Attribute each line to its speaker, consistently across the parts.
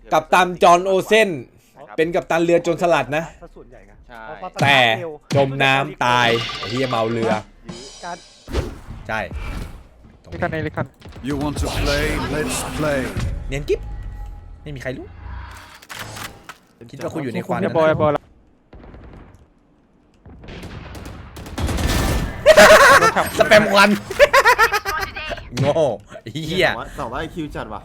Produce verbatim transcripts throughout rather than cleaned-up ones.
Speaker 1: กัปตันจอห์นโอเซนเป็นกัปตันเรือโจรสลัดนะ
Speaker 2: ส่วนใหญ่กัน
Speaker 1: แต่จมน้ำตายไอ้เหี้ยเมาเรือใช่
Speaker 3: ลิคันเอลิคัน
Speaker 4: You want to play? Let's play.
Speaker 1: เนียนกิ๊บไม่มีใครรู้คิดว่าคุณอยู่ในควัน
Speaker 3: บอยบอย
Speaker 1: สแปมควันโง่เหี้ย
Speaker 2: สอบว่าคิวจัดว่ะ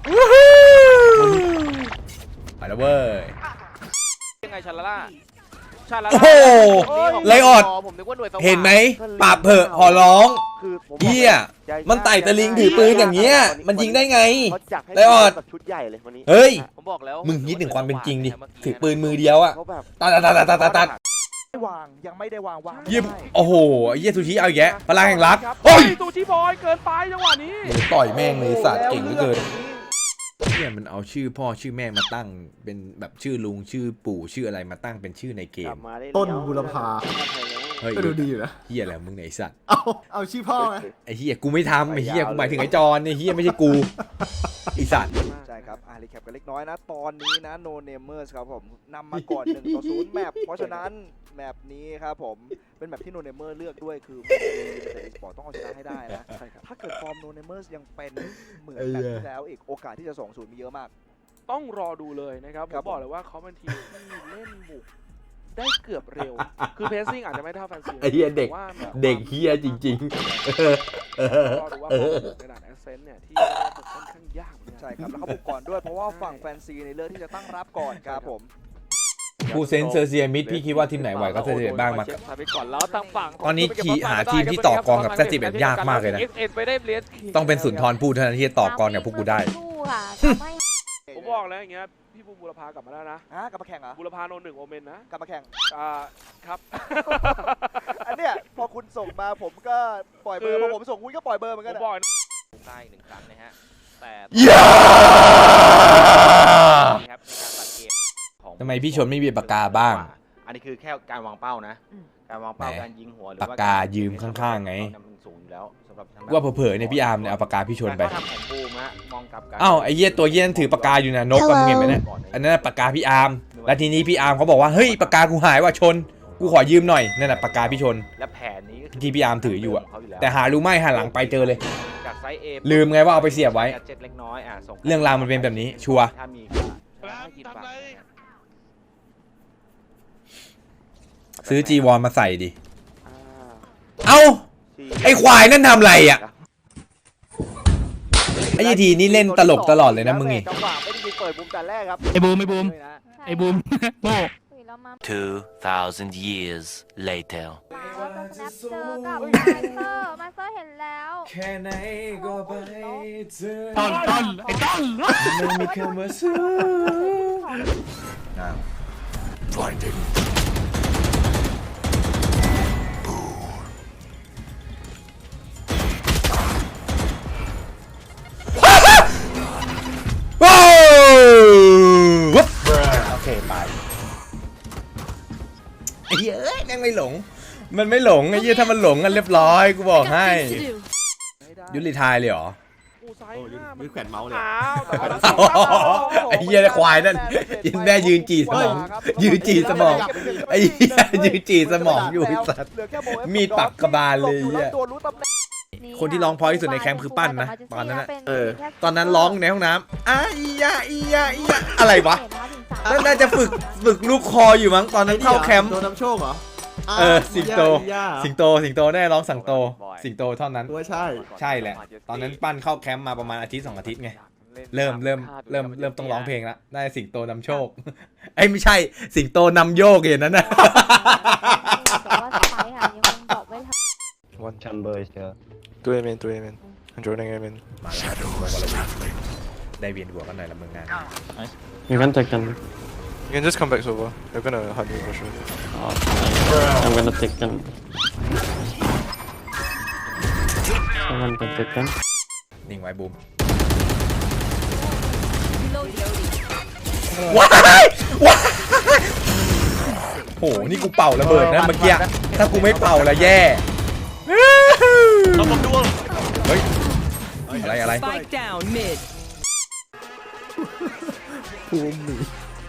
Speaker 1: ไปแล้วเว้ย
Speaker 5: ยังไงชาลาล่าชาลา
Speaker 1: โอ้
Speaker 5: ล่า
Speaker 1: โหไลออดเห็นไหมปราบเผอะขอร้องเหี้ยมันไต่ตะลิงถือปืนอย่างเงี้ยมันยิงได้ไงไลออดเฮ้ยมึงคิดถึงความเป็นจริงดิถือปืนมือเดียวอะตัดตัดตัดตัดตัดตัด
Speaker 2: วางยังไม่ได้วางวาง
Speaker 1: ยิบโอ้โหเยี่ยซูชิเอาแยะพลังแห่งรักโอ้ย
Speaker 5: ซูชิบอยเกินไปจังหวะนี้
Speaker 1: ต่อยแม่งเลยสัตว์เก่งเหลือเกินเนี่ยมันเอาชื่อพ่อชื่อแม่มาตั้งเป็นแบบชื่อลุงชื่อปู่ชื่ออะไรมาตั้งเป็นชื่อในเกม
Speaker 2: ต้นบุรพา
Speaker 1: เฮ้ย
Speaker 2: ดูดีอยู่นะ
Speaker 1: เฮียอะไรมึงไหนสัตว์
Speaker 2: เอาเอาชื่อพ่อไง
Speaker 1: ไอ้เฮียกูไม่ทำไอ้เฮียกูหมายถึงไอ้จอนไอ้เฮียไม่ใช่กูไอ้สัตว์
Speaker 6: ใช่ครับอ่ารีแคปกันเล็กน้อยนะตอนนี้นะโนเนเมอร์สครับผมนำมาก่อนหนึ่งต่อศูนย์แมปเพราะฉะนั้นแมปนี้ครับผมเป็นแมปที่โนเนเมอร์เลือกด้วยคือแต่สปอร์ตต้องเอาชนะให้ได้นะใช่ครับถ้าเกิดฟอร์มโนเนเมอร์ยังเป็นเหมือนแบบที่แล้วอีกโอกาสที่จะสองศูนย์มีเยอะมาก
Speaker 5: ต้องรอดูเลยนะครับผมบอกเลยว่าเขาเป็นทีมที่เล่นบุกได้เกือบเร็วคือเพสซิ่งอาจจะไม่เท่าแฟนซี
Speaker 1: ไอ้เฮียเด็กเด็กเฮียจริง
Speaker 5: ๆรอดูว่าในด่านแอสเซนต์เนี่ยที่บุกค่อนข้างยาก
Speaker 6: ใช่ครับแล้วเขาบุกก่อนด้วยเพราะว่าฝั่งแฟนซีในเลือกที่จะตั้งรับก่อนครับผม
Speaker 1: ผู้เซนเซอร์เซียมิดพี่คิดว่าทีมไหนไหวก็เซอร์เซียบ้างมาตอนนี้ขี่หาทีมที่ต่อกรกับแซติแบบยากมากเลยนะต้องเป็นสุนทรภู่เท่านั้นที่จะต่อกรกับพวกกูได้
Speaker 5: ผมบอกแล้วอย่างเงี้ยพี่บูบุรพากลับมาแล้วนะ
Speaker 6: อ่ะกลับมาแข่งเหรอ
Speaker 5: บุรพาโนหนึ่งโอเมนนะ
Speaker 6: กลับมาแข่ง
Speaker 5: อ่าครับ
Speaker 6: อันเนี้ยพอคุณส่งมาผมก็ปล่อยเบอร์พอผมส่งคุณก็ปล่อยเบอร์เหมือนกัน
Speaker 5: ผมบอกได้หนึ่งครั้งนะฮะแต่
Speaker 1: ทำไมพี่ชนไม่มีปากกาบ้าง
Speaker 7: อันนี้คือแค่การวางเป้านะการวางเป้าการยิงหัวหรือ
Speaker 1: ปากกายืมข้างๆไงว่าเผลอๆเนี่ยพี่อาร์มเนี่ยเอาปากกาพี่ชนไปอ้าวไอ้เหี้ยตัวเหี้ยถือปากกาอยู่นะนกกันเห็นไหมเนี่ยอันนั้นปากกาพี่อาร์มแล้วทีนี้พี่อาร์มเขาบอกว่าเฮ้ยปากกากูหายว่ะชนกูขอยืมหน่อยนั่นแหละปากกาพี่ชน
Speaker 7: และแผนนี้
Speaker 1: ที่พี่อาร์มถืออยู่อะแต่หารู้ไหมหันหลังไปเจอเลยลืมไงว่าเอาไปเสียบไว้เรื่องราวมันเป็นแบบนี้ชัวร์ซื้อจีวรมาใส่ดิเอ้าไอ้ควายนั่นทำไรอ่ะไอ้ยีทีนี่เล่นตลกตลอดเลยนะมึงนี่
Speaker 3: ไอ้บูมไอ้บูมไอ้บูมโง่
Speaker 8: two thousand years later
Speaker 9: มาเซอร์เห็นแล้ว
Speaker 1: แค่ไหนก็ไปเจอ
Speaker 3: ต้นต้นไอ้ต้น
Speaker 1: มันมีคำว่าสู้อ้าว
Speaker 4: Blinding.
Speaker 1: ว้าววุ๊บโอเคไปไอ้เหี้ยเอ้ยแม่งไม่หลงมันไม่หลงไอ้เหี้ยถ้ามันหลงกันเรียบร้อยกูบอกให้ยุติทายเลยเหรอ
Speaker 2: มือแขวนเมาส์เลย
Speaker 1: ไอ้เหี้ยควายนั่นยินแม่ยืนจีสมองยืนจีสมองไอ้เหี้ยยืนจีสมองอยู่ไอ้สัตว์มีดปักกระบาลเลยเหี้ยคนที่ร้องพอที่สุดในแคมป์คือปั้นนะตอนนั้นนะเออตอนนั้นร้องในห้องน้ำอ้ายยาอียาอียาอะไรวะนั่นน่าจะฝึกฝึกลูกคออยู่มั้งตอนนั้นเข้าแคมป์
Speaker 2: โดนน้ำโชคเหรอ
Speaker 1: เออสิงโตสิงโตสิงโตแน่ร้องสังโตสิงโตเท่านั้น
Speaker 2: ว่าใช่
Speaker 1: ใช่แหละตอนนั้นปั้นเข้าแคมป์มาประมาณอาทิตย์สองอาทิตย์ไงเริ่มเริ่มเริ่มเริ่มต้องร้องเพลงแล้วได้สิงโตนำโชคไอ้ไม่ใช่สิงโตนำโยกอย่างนั้นนะ
Speaker 10: One chamber is here.
Speaker 11: Two A main, two A main. I'm joining A main.
Speaker 1: มาแล้วได้เวียนหัวกันหน่อยละมึงงาน
Speaker 10: You can take them.
Speaker 11: You can just come back over. They're gonna hunt you for sure.
Speaker 10: Oh, I'm gonna take them. Someone can take them.
Speaker 1: นิ่งไว้บูมว้ายว้ายโหนี่กูเป่าระเบิดนะเมื่อกี้ถ้ากูไม่เป่าละแย่เฮ้ยอะไรอะไร
Speaker 2: ภูมิหมี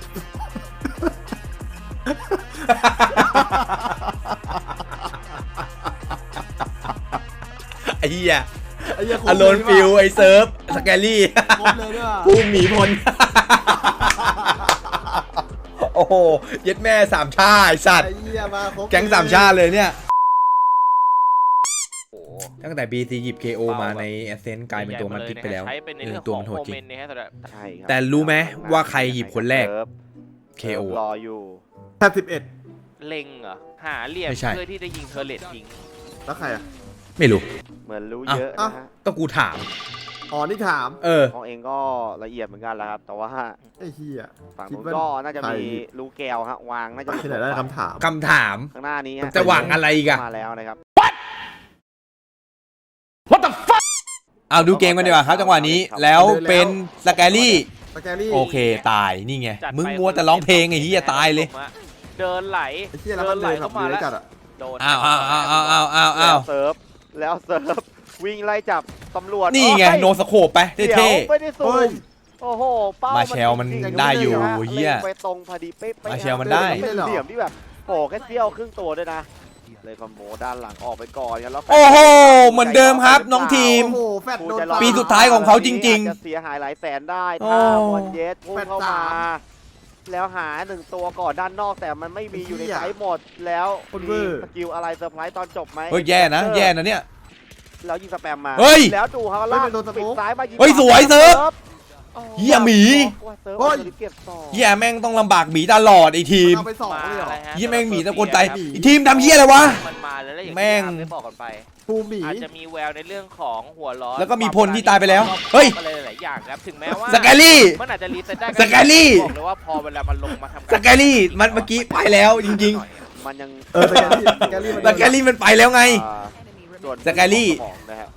Speaker 1: ไอ้เหี้ย
Speaker 2: ไอ้เหี้ยครบ
Speaker 1: อโลนฟิวไอ้เซิร์ฟสแกลี่
Speaker 2: ครบเลยด้วยว่ะ
Speaker 1: ภูมิหมีพล โอ้โหเย็ดแม่สามชาติไอ้สัตว์
Speaker 2: ไอ้เหี้ยมาครบ
Speaker 1: แก๊งสามชาติเลยเนี่ยตั้งแต่ บี ซี หยิบ เค โอ มาในแอสเซนต์กลายเป็นตัวมันพลิกไปแล้ว
Speaker 7: ใช้เป็นใน
Speaker 1: เอ
Speaker 7: เรื่
Speaker 1: อ
Speaker 7: อง
Speaker 1: ตัว
Speaker 7: ของ
Speaker 1: มันโห
Speaker 7: โม
Speaker 1: ดจริ
Speaker 7: เม
Speaker 1: ง
Speaker 7: นต์นะฮะสำหรับ
Speaker 6: ใช่ครับ
Speaker 1: แต่รู้ไหมว่าใครหยิบคนแรก เค โอ
Speaker 6: รออยู่
Speaker 2: แปดสิบเอ็ด
Speaker 7: เล็งเหรอหาเหลี่ยม
Speaker 1: ไม่ใช่
Speaker 7: เพื่อที่จะยิงเทอร์เลตทิ้ง
Speaker 2: แล้วใครอ่ะ
Speaker 1: ไม่รู้
Speaker 6: เหมือนรู้
Speaker 1: อ่ะ
Speaker 6: เยอะ
Speaker 2: อ่ะ
Speaker 6: นะฮะ
Speaker 1: ก็กูถาม
Speaker 2: อ๋อนี่ถาม
Speaker 1: เออ
Speaker 6: ของเองก็ละเอียดเหมือนกันแหล้วครับ แต่ว่า
Speaker 2: ไอ้เหี้ย
Speaker 6: ฝั่ง
Speaker 2: คิด
Speaker 6: นู้น
Speaker 2: ว่า
Speaker 6: ก็น่าจะ
Speaker 2: ใคร
Speaker 6: มีรูแก้วฮะวางน่าจะ
Speaker 2: ที่ไหนได้คำถาม
Speaker 1: คำถาม
Speaker 6: ข้างหน้านี้ฮะ
Speaker 1: จะหวังอะไรอีกอะ
Speaker 6: มาแล้วนะครับ
Speaker 1: เอาดูเกมกันดีกว่าครับจังหวะนี้ แล้วเป็นสแกลี่
Speaker 2: สแกรี่
Speaker 1: โอเคตายนี่ไง
Speaker 7: จัดไป
Speaker 1: มึงมัวแต่ร้องเพลงไอ้เหี้ยตายเลย
Speaker 7: เดินไหล
Speaker 2: ไอ้เหี้ยแล้วมันเดินแบบ
Speaker 7: มา
Speaker 2: เลื้อย
Speaker 7: แล้ว
Speaker 2: จัดอ่ะ
Speaker 7: โดน
Speaker 1: อ้าวอ้าวอ้าวอ้าวอ้าวอ้าวอ้าว
Speaker 6: แล้วเซิร์ฟแล้วเซิร์ฟวิ่งไล่จับตำรวจ
Speaker 1: นี่ไง
Speaker 6: โอ้ย
Speaker 1: โนสโคปไป
Speaker 6: เดี๋ยว
Speaker 1: เท่
Speaker 6: ไม่ได้สู
Speaker 2: เฮ้ย
Speaker 6: มโอ้โหเป้า
Speaker 1: มาแชลมัน
Speaker 6: จริงๆ
Speaker 1: ได้อยู่
Speaker 6: นะฮะ
Speaker 1: เหี้ย
Speaker 6: ล็งไปตรงพอดีเป๊ะๆ
Speaker 1: มาแชลมันได้
Speaker 6: เป็นเหลี่ยมที่แบบโอ้แค่เสี้ยวครึ่งตัวด้วยนะเลยคอมโบด้านหลังออกไปก่อนกันแล้ว
Speaker 1: ๆโอ้โหเหมือนเดิมครับน้องทีม
Speaker 2: โอ้โหแฟดโดน
Speaker 1: ปีสุดท้ายของเขาจริงๆ
Speaker 6: อาจะเสียหายหลายแสนได้
Speaker 1: โอ้
Speaker 6: ถ้าบอลเยสพุ่งเข้า
Speaker 2: แปด
Speaker 6: มา
Speaker 2: สาม
Speaker 6: แล้วหาหนึ่งตัวก่อนด้านนอกแต่มันไม่มีอยู่ใน
Speaker 2: เหี้ย
Speaker 6: ไซส์หมดแล้ว
Speaker 2: คนเว
Speaker 6: มี
Speaker 2: อร์
Speaker 6: สกิลอะไรเซอร์ไพรส์ตอนจบไหม
Speaker 1: เฮ้ยแย่นะแย่นะเนี่ย
Speaker 6: แล้วยิงสแปมมา
Speaker 1: เฮ้ย
Speaker 6: แล้วดูเขา
Speaker 2: เฮ้ย
Speaker 6: ลาก
Speaker 2: เป็นโดนสโม
Speaker 6: ปิด
Speaker 2: ก
Speaker 6: ซ้ายมายิง
Speaker 1: เฮ้ยสวยเซิร์ฟ
Speaker 6: โอ้โ
Speaker 1: เหี้ยหมี
Speaker 6: ว่าเซิร์ฟ
Speaker 2: เฮ้ย
Speaker 6: เอาเก็บต่อ
Speaker 1: เหี้ยแม่งต้องลำบากหมีตลอดไอ้ทีม
Speaker 2: เอาไปสองเลยเหรอ
Speaker 7: มาฮะ
Speaker 1: เหี้ยแม่งหมีตะโกนใจ
Speaker 7: ครับ
Speaker 1: ไอ้ทีมทำเหี้ยอะไรวะ
Speaker 7: มันมาแล้วแล้วอย่าง
Speaker 1: แม่ง
Speaker 7: ที่อาร์มได้บอกกันไป
Speaker 2: ภูมิหมี
Speaker 7: อาจจะมีแววในเรื่องของหัวร้อน
Speaker 1: แล้วก็มีพลที่ตายไปแล้วเฮ้ย
Speaker 7: อะไรหลายๆอย่างครับถึงแม้ว่า
Speaker 1: สแกลี่
Speaker 7: มันอาจจะรีเซ็ตได้
Speaker 1: สแกลี่
Speaker 7: บอกเลยว่าพอเวลามันลงมาทำการ
Speaker 1: สแกลี่มันเมื่อกี้ไปแล้วจริง
Speaker 6: มันยัง
Speaker 2: เออสแกรี่สแกรี่มัน
Speaker 1: ๆสแกลี่มันไปแล้วไง
Speaker 6: อ่าส่วน
Speaker 1: สแกลี่
Speaker 6: สมองนะฮะ